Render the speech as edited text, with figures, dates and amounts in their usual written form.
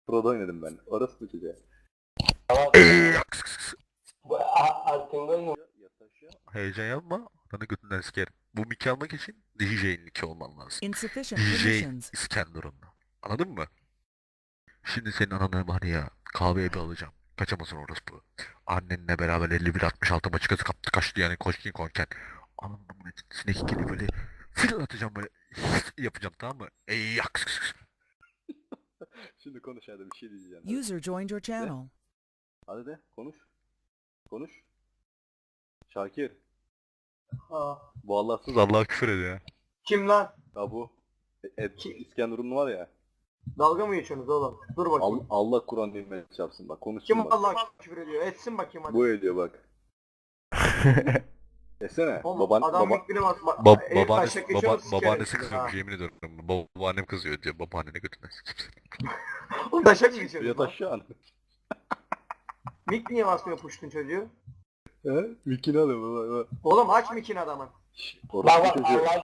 Pro'da oynadım ben. Orası mı çocuğa? Heyecan yapma. Bana götünden sikerim. Bu miki almak için DJ'in miki olman lazım. Insufficient DJ permissions. İskenderun'da. Anladın mı? Şimdi senin ananı var ya kahveye bir alacağım. Kaçamazsın orospu. Annenle beraber 51-66 maçı kazı kaptı kaçtı yani koşkin konken. Ananın amına sinek ikili böyle fil atacağım böyle yapacağım tamam mı? Ey yak. Şimdi konuş hadi bir şey diyeceğim. Hadi. User joined your channel. Hadi de konuş. Konuş. Şakir. Ha. Bu Allahsız Allah'a küfür ediyor. Kim lan? Ya bu İskenderun var ya. Dalga mı geçiyorsunuz oğlum? Dur bakayım. Allah Kur'an dinmeye çarpsın bak konuşsun Kim bak. Allah'a küfür ediyor? Etsin bakayım hadi. Bu ediyor bak. Desene. Oğlum adam mikrini bas. Babaannesi kızıyormuş yemin ediyorum. Babaannem kızıyor diyor. Babaannene götürmez kimse. Oğlum taşak mı geçiyorsun? Yat aşağı an. Mik niye basmıyor puştun çocuğu? He? Mikini alıyor baba. Oğlum aç mikini adamın. Orası çocuğu.